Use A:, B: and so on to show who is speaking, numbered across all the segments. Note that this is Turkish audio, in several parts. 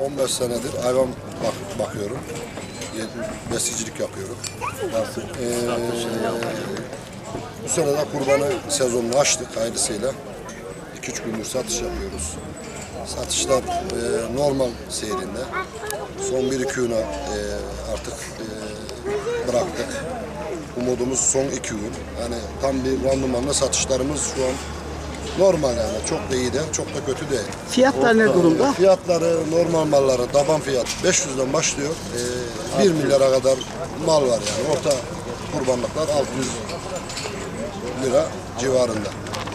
A: 15 senedir hayvan bakıyorum. Besicilik yapıyorum. Bu sene de kurbanı sezonunu açtık hayırlısıyla. 2-3 gündür satış yapıyoruz. Satışlar normal seyrinde. Son 1-2 güne artık bıraktık. Umudumuz son 2 gün. Yani tam bir randımanla satışlarımız şu an normal yani. Çok da iyi değil, çok da kötü değil.
B: Fiyatlar ne durumda?
A: Fiyatları normal malları taban fiyat 500'den başlıyor. 1 milyara kadar mal var yani. Orta kurbanlıklar 600 lira civarında.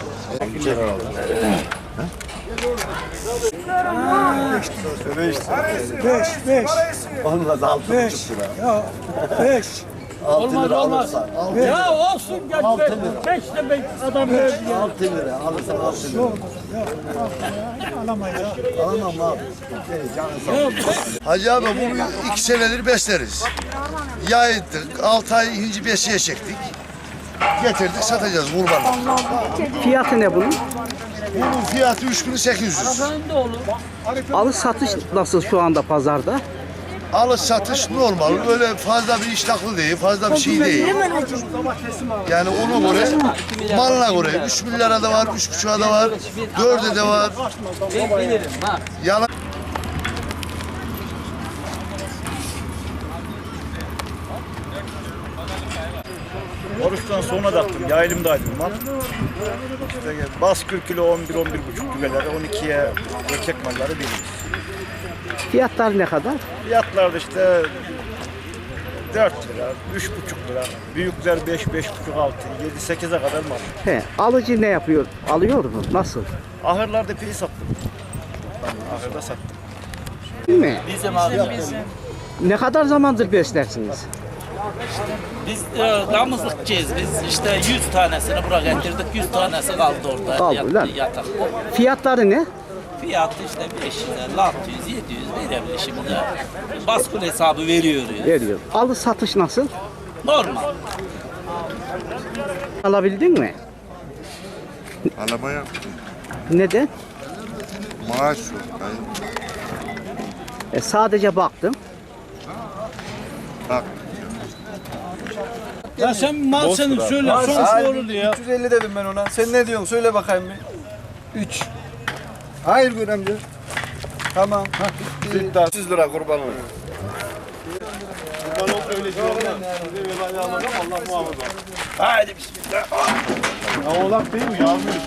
C: Beş.
D: Olmaz 6,5 lira.
C: Ya 5.
D: 6 lira
E: Olmaz.
D: alırsan.
E: Ya olsun gel.
D: 6 lira.
E: 5 de ben adam verdi ya.
D: 6 lira alırsan 6 lira.
C: Alamayız.
D: Alamam abi. Canın sağ olsun.
F: Hacı abi bunu 2 senedir besleriz. Yaydık, 6 ay hinci besiye çektik. Getirdik satacağız kurban.
B: Fiyatı ne bunun?
F: Bunun fiyatı 3800.
B: Alış satış nasıl şu anda pazarda?
F: Alış satış normal. Öyle fazla bir iştahlı değil, fazla bir şey değil. Yani ona göre, malına göre 3 milyara da var, 3,5'a da var, 4'e de var. Yalan.
G: Oruçtan sonra da attım, yaylımdaydım mal. İşte bas 40 kilo 11-11,5 güveleri, 12'ye erkek malları veriyoruz.
B: Fiyatlar ne kadar?
G: Fiyatlar da işte 4 lira, 3,5 lira, büyükler 5, 5,5, 6, 7, 8'e kadar mal.
B: He, alıcı ne yapıyor? Alıyor mu? Nasıl?
G: Ahırlarda piyi sattım. Ben ahırda sattım.
B: Değil mi?
E: Bizim abi.
B: Ne kadar zamandır beslersiniz?
E: Biz damızlıkçıyız. Biz işte 100 tanesini buraya getirdik. 100 tanesi kaldı orada.
B: Kaldı lan.
E: Yatakta.
B: Fiyatları ne?
E: Fiyatı işte 500, 600, 700 verebilir şimdi. Baskül hesabı veriyoruz.
B: Veriyor. Alış satış nasıl?
E: Normal.
B: Alabildin mi?
H: Alamaya
B: Neden?
H: maaş yok. Yani
B: Sadece baktım.
H: bak
E: Ya sen mal senin söyle. Son sorulu ya.
C: 350 dedim ben ona. Sen ne diyorsun? Söyle bakayım bir. 3.
D: Hayır göremci.
C: Tamam.
D: 100 lira kurban olur.
G: Haydi bismillah.
H: ya oğlak değil mi? Yağmur.